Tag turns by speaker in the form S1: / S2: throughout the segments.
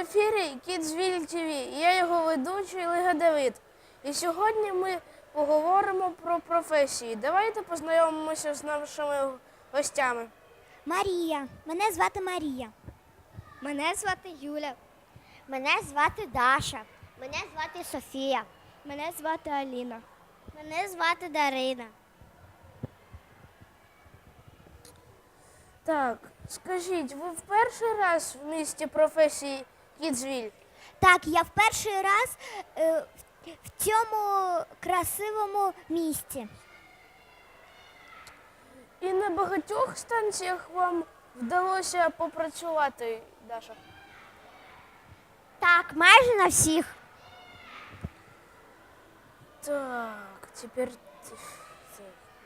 S1: ефірі Kidsville TV. Я його ведучий Лига Давид. І сьогодні ми поговоримо про професії. Давайте познайомимося з нашими гостями.
S2: Марія. Мене звати Марія.
S3: Мене звати Юля.
S2: Мене звати Даша. Мене звати Софія.
S3: Мене звати Аліна.
S2: Мене звати Дарина.
S1: Так, скажіть, ви в перший раз в місті професії Kidsville?
S2: Так, я в перший раз в цьому красивому місті.
S1: І на багатьох станціях вам вдалося попрацювати, Даша?
S2: Так, майже на всіх.
S1: Так, тепер це.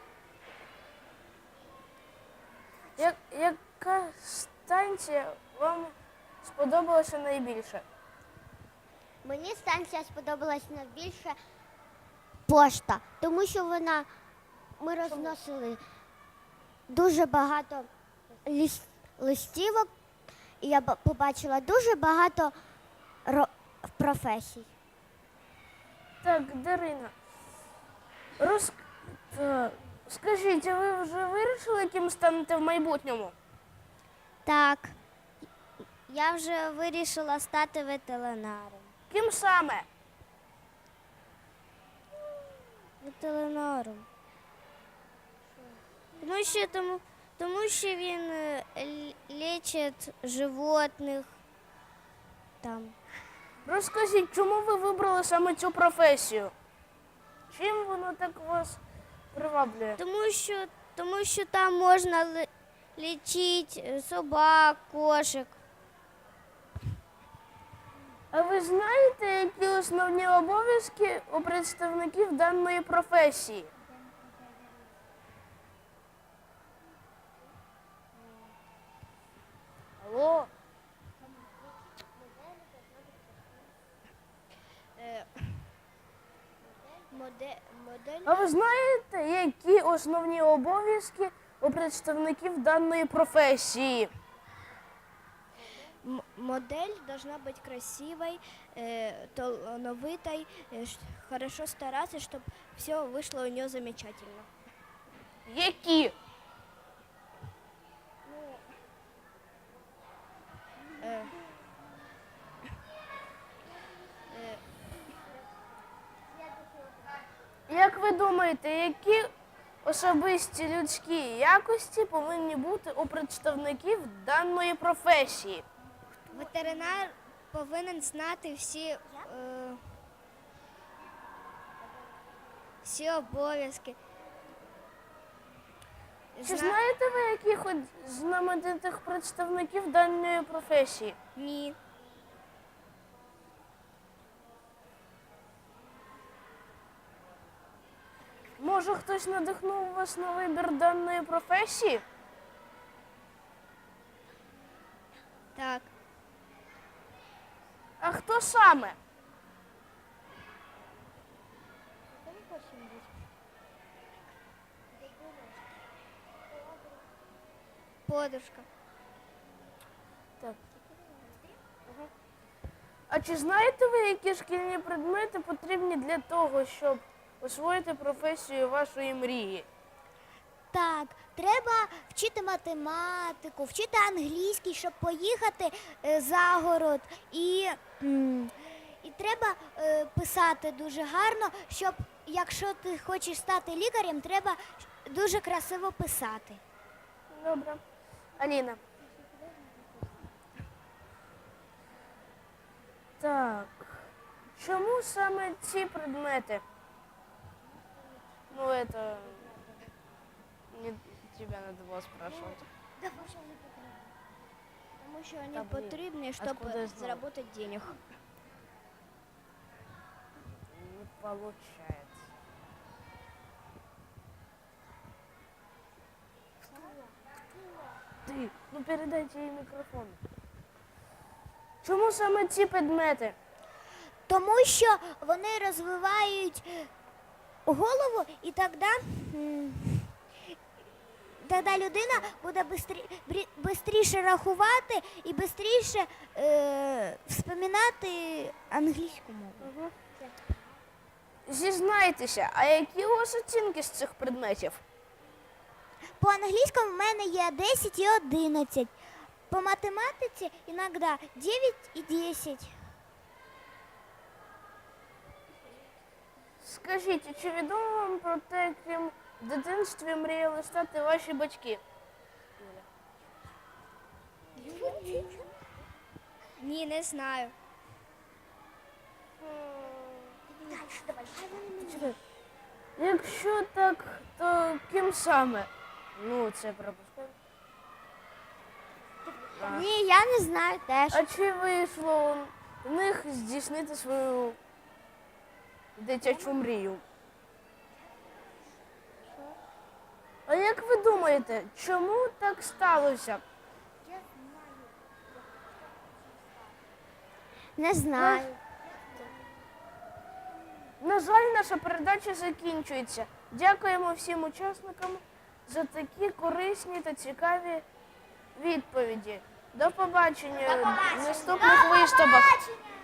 S1: Яка станція вам сподобалася найбільше?
S2: Мені станція сподобалась найбільше пошта, тому що ми розносили дуже багато листівок, і я побачила дуже багато професій.
S1: Так, Дарина, скажіть, а ви вже вирішили, яким станете в майбутньому?
S2: Так, я вже вирішила стати ветеринаром.
S1: Ким саме?
S2: Ветеринаром. Тому що він лічить животних там.
S1: Розкажіть, чому ви вибрали саме цю професію? Чим воно так вас приваблює?
S2: Тому що там можна лічити собак, кошик.
S1: А ви знаєте, які основні обов'язки у представників даної професії? Алло? А ви знаєте, які основні обов'язки у представників даної професії?
S3: Модель должна быть красивой, талановитой, хорошо стараться, чтобы все вышло у нее замечательно.
S1: Які? Як ви думаєте, які особисті людські якості повинні бути у представників даної професії?
S3: Ветеринар повинен знати всі обов'язки.
S1: Чи знаєте ви якихось знаменитих представників даної професії?
S3: Ні.
S1: Може, хтось надихнув вас на вибір даної професії?
S3: Так.
S1: А хто саме?
S3: Подружка.
S1: Так. А чи знаєте ви, які шкільні предмети потрібні для того, щоб освоїти професію вашої мрії?
S2: Так, треба вчити математику, вчити англійський, щоб поїхати за город. І треба писати дуже гарно, щоб, якщо ти хочеш стати лікарем, треба дуже красиво писати.
S1: Добре. Аліна. Так. Чому саме ці предмети? Ну, это... Не, тебя надо было спрашивать.
S3: Тому що вони
S1: Та, блін,
S3: потрібні,
S1: откуда
S3: щоб
S1: я знала?
S3: заробити денег.
S1: Не получается. Ты, ну передайте ей микрофон. Чому саме ці предмети?
S2: Тому що вони розвивають голову, і тоді тоді людина буде швидше рахувати і швидше вспоминати англійську мову.
S1: Зізнайтеся, а які у вас оцінки з цих предметів?
S2: По англійському в мене є 10 і 11. По математиці іноді 9 і 10.
S1: Скажіть, чи відомо вам про те, ким в дитинстві мріяли стати ваші батьки?
S3: Ні, не знаю.
S1: Якщо так, то ким саме? Ну, це пропускаємо.
S2: Ні, я не знаю теж.
S1: А чи вийшло у них здійснити свою дитячу мрію? А як ви думаєте, чому так сталося?
S2: Не знаю.
S1: На жаль, наша передача закінчується. Дякуємо всім учасникам за такі корисні та цікаві відповіді. До побачення в наступних виступах.